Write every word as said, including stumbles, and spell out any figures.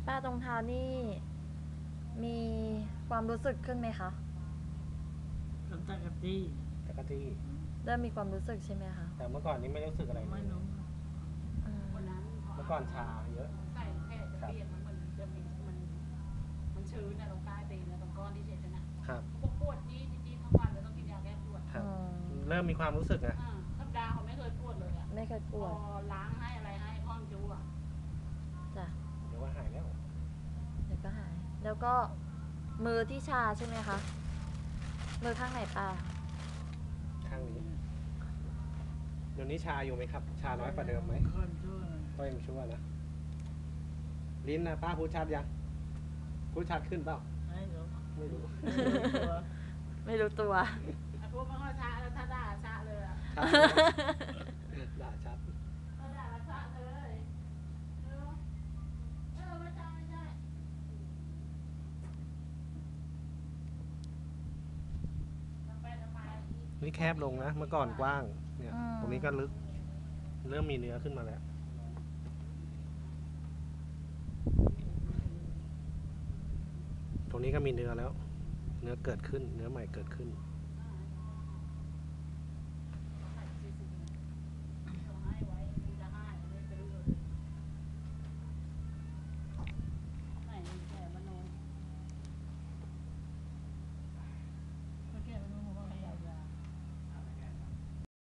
ป้าตรงเท้านี่มีความรู้สึกขึ้นไหมคะก็ตะกะตี้ตะกะจี้เริ่มมีความรู้สึกใช่ไหมคะแต่เมื่อก่อนนี้ไม่รู้สึกอะไรเลไม่ยรู้อืมเมื่อก่อนชาเยอะใส่แค่จะเปลี่ยนมันเหมือนจะมีมันมันชื้นนะตรงใต้ตีนนะตรงก้อนที่เช็ดนะครับ พวกปวดจี้จี้ทั้งวันเลยต้องกินยาแก้ปวดครับอืมเริ่มมีความรู้สึกนะอ่าธรรมดาเขาไม่เคยปวดเลยอ่ะไม่เคยปพวอดล้างให้อะไรให้พ่อมจูอ่ะจ้ะเดี๋ยวว่าหายแล้วเดี๋ยวก็หาย แล้วก็มือที่ชาใช่ไหมคะ มือข้างไหนป้าข้างนี้ เดี๋ยวนี้ชาอยู่ไหมครับ ชาน้อยกว่าเดิมไหมคนชั่วก็ยังชั่วนะ ลิ้นนะป้าพูดชัดยัง พูดชัดขึ้นเปล่าไม่รู้ไม่รู้ไม่รู้ตัวไอ้พวกมันก็ชาแล้วถ้าด่าชาเลยอ่ะชัดด่าชัดถ้าด่าแล้วชาเลยเออเออไม่ใช่ไม่ใช่ทำไปทำไมนี่แคบลงนะ เมื่อก่อนกว้าง เนี่ยอืมตรงนี้ก็ลึก เริ่มมีเนื้อขึ้นมาแล้ว ตรงนี้ก็มีเนื้อแล้ว เนื้อเกิดขึ้น เนื้อใหม่เกิดขึ้น